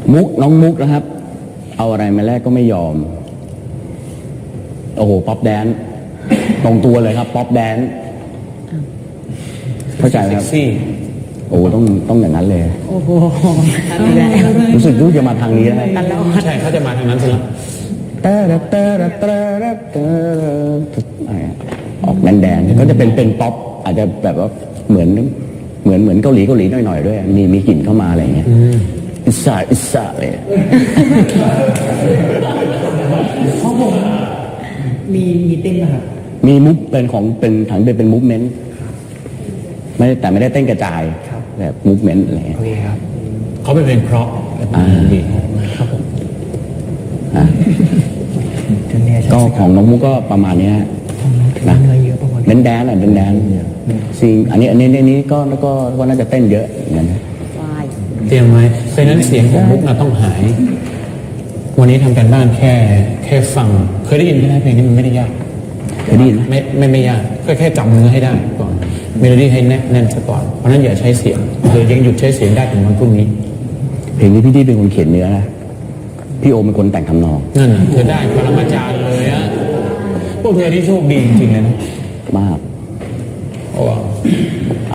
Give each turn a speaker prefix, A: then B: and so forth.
A: มุกน้องมุกนะครับเอาอะไรมาแลกก็ไม่ยอมโอ้โหป๊อปแดนตรงตัวเลยครับป๊อปแดนเข้าใจไหมครับโอ้ต้องอย่างนั้นเลย
B: โอ้โห
A: รู้สึกรู้จะมาทางนี้ได้
C: ใช่เขาจะมาทางนั้นสิ
A: ออกแดนก็จะเป็นป๊อปอาจจะแบบว่าเหมือนเกาหลีหน่อยๆด้วยมีกลิ่นเข้ามาอะไรอย่างเงี้ยอิสระเลย
B: มีเต้นป่ะครับ
A: มีมุกเป็นของเป็นถังเป็นมูฟเมนต์แต่ไม่ได้เต้นกระจายแบบมูฟเมนต์อะไร
C: โอเคครับเขาเป็นเพลงเพราะดีครับผม
A: ก็ของน้องมุกก็ประมาณนี้นะเป็นแดนซิงอันนี้ก็น่าจะเต้นเยอะเหมือนกัน
C: เตรียมไหมเพราะนั้นเสียงของมุกต้องหายวันนี้ทำการบ้านแค่ฟังเคยได้ยินไหมเพลงนี้มันไม่ได้ยาก
A: เคยได้ยินไหม
C: ไม่ยากก็แค่จำเนื้อให้ได้ก่อนเมโลดี้ให้แน่นซะก่อนเพราะนั้นอย่าใช้เสียงหรือยังหยุดใช้เสียงได้ถึงวันพรุ่งนี้
A: เพลงนี้พี่เป็นคนเขียนเนื้อนะพี่โอเป็นคนแต่งทำนอง
C: นั่นเธอได้ปรมาจารย์เลยอะพวกเธอที่โชคดีจริงๆเลยนะ
A: มาก
C: โอ้